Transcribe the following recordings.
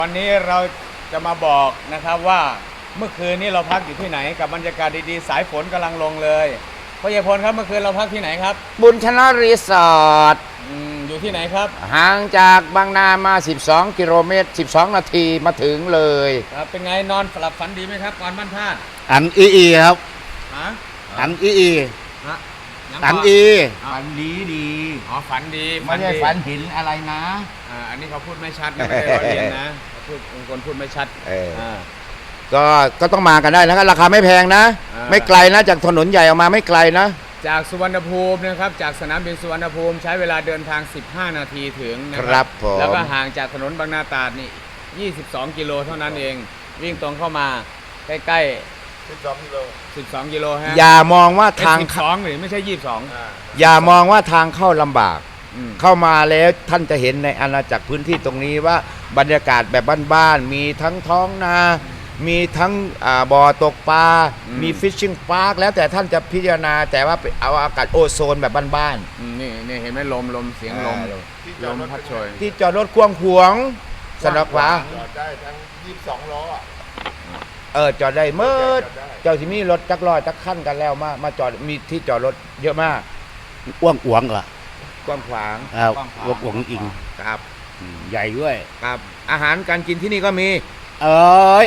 วันนี้เราจะมาบอกนะครับว่าเมื่อคืนนี้เราพักอยู่ที่ไหนกับบรรยากาศดีๆสายฝนกำลังลงเลยพ่อใหญ่พลครับเมื่อคืนเราพักที่ไหนครับบุญชนะรีสอร์ทอยู่ที่ไหนครับห่างจากบางนามา12กิโลเมตร12นาทีมาถึงเลยครับเป็นไงนอนหลับฝันดีไหมครับก่อนบ้านพลาดอันอีครับฮะอันอีฮะอันอีฝันดีอ๋อฝันดีไม่ได้ฝันเห็นอะไรนะอันนี้เขาพูดไม่ชัดนะไม่ได้ล้อเลียนนะพูดคนพูดไม่ชัดก็ต้องมากันได้นะครับราคาไม่แพงนะไม่ไกลนะจากถนนใหญ่ออกมาไม่ไกลนะจากสุวรรณภูมินะครับจากสนามบินสุวรรณภูมิใช้เวลาเดินทาง15นาทีถึงนะครับผมแล้วก็ห่างจากถนนบางนาตราดนี่22กิโลเท่านั้นเองวิ่งตรงเข้ามาใกล้ๆ12กิโลฮะอย่ามองว่าทาง 12หรือไม่ใช่22 อย่ามองว่าทางเข้าลำบากเข้ามาแล้วท่านจะเห็นในอาณาจักรพื้นที่ตรงนี้ว่าบรรยากาศแบบบ้านๆมีทั้งท้องนามีทั้งบ่อตกปลามีฟิชชิ่งพาร์คแล้วแต่ท่านจะพิจารณาแต่ว่าเอาอากาศโอโซนแบบบ้านๆนี่เห็นไหมลมเสียงลมพัดโชยที่จอดรถกว้างขวางสนับขวาจอดได้ทั้ง22ล้อจอดได้เมื่อเจ้าที่มีรถจักรลอยจักขั้นกันแล้วมาจอดมีที่จอดรถเยอะมากอ้วงอ้วงเหรกว้างขวางอ้วงอ้วงอิงครับใหญ่ด้วยครับอาหารการกินที่นี่ก็มีแอบ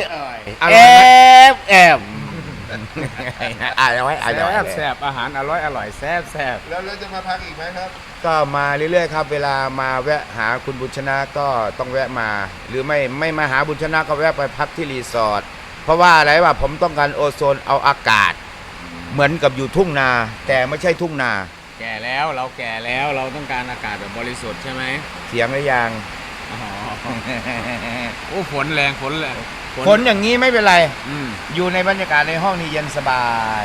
แซ่บอาหารอร่อยแซ่บแล้วเราจะมาพักอีกไหมครับก็มาเรื่อยๆครับเวลามาแวะหาคุณบุญชนะก็ต้องแวะมาหรือไม่มาหาบุญชนะก็แวะไปพักที่รีสอร์ทเพราะว่าอะไรวะผมต้องการโอโซนเอาอากาศเหมือนกับอยู่ทุ่งนาแต่ไม่ใช่ทุ่งนาแก่แล้วเราแก่แล้วเราต้องการอากาศแบบบริสุทธิ์ใช่ไหมเถียงหรือยังโอ้ฝนแรงฝนอย่างนี้ไม่เป็นไรอยู่ในบรรยากาศในห้องนี้เย็นสบาย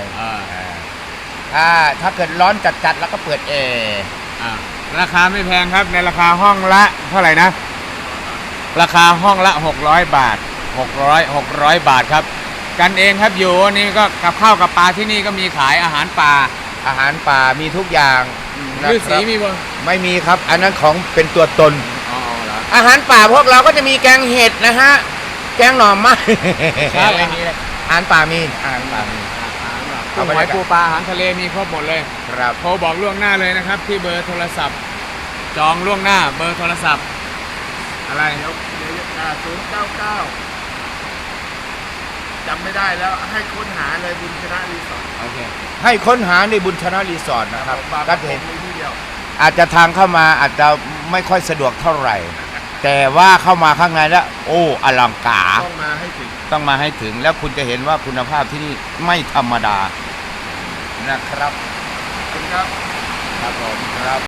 ถ้าเกิดร้อนจัดแล้วก็เปิดแอร์ราคาไม่แพงครับในราคาห้องละเท่าไหร่นะราคาห้องละ600 บาท600 บาทครับกันเองครับอยู่นี่ก็กับข้าวกับปลาที่นี่ก็มีขายอาหารป่ามีทุกอย่างฤาษีมีบ่ไม่มีครับอันนั้นของเป็นตัวตนอาหารป่าพวกเราก็จะมีแกงเห็ดนะฮะแกงหน่อไม้ครับอาหารป่ามีกุ้งหอยปูปลาอาหารทะเลมีครบหมดเลยครับโทรบอกล่วงหน้าเลยนะครับที่เบอร์โทรศัพท์จองล่วงหน้าเบอร์โทรศัพท์อะไร 099จำไม่ได้แล้วให้ค้นหาเลยบุญชนะรีสอร์ทโอเคให้ค้นหาในบุญชนะรีสอร์ทนะครับก็เห็นอาจจะทางเข้ามาอาจจะไม่ค่อยสะดวกเท่าไหร่แต่ว่าเข้ามาข้างในแล้วโอ้อลังการต้องมาให้ถึงแล้วคุณจะเห็นว่าคุณภาพที่นี่ไม่ธรรมดานะครับขอบคุณครับผมครับ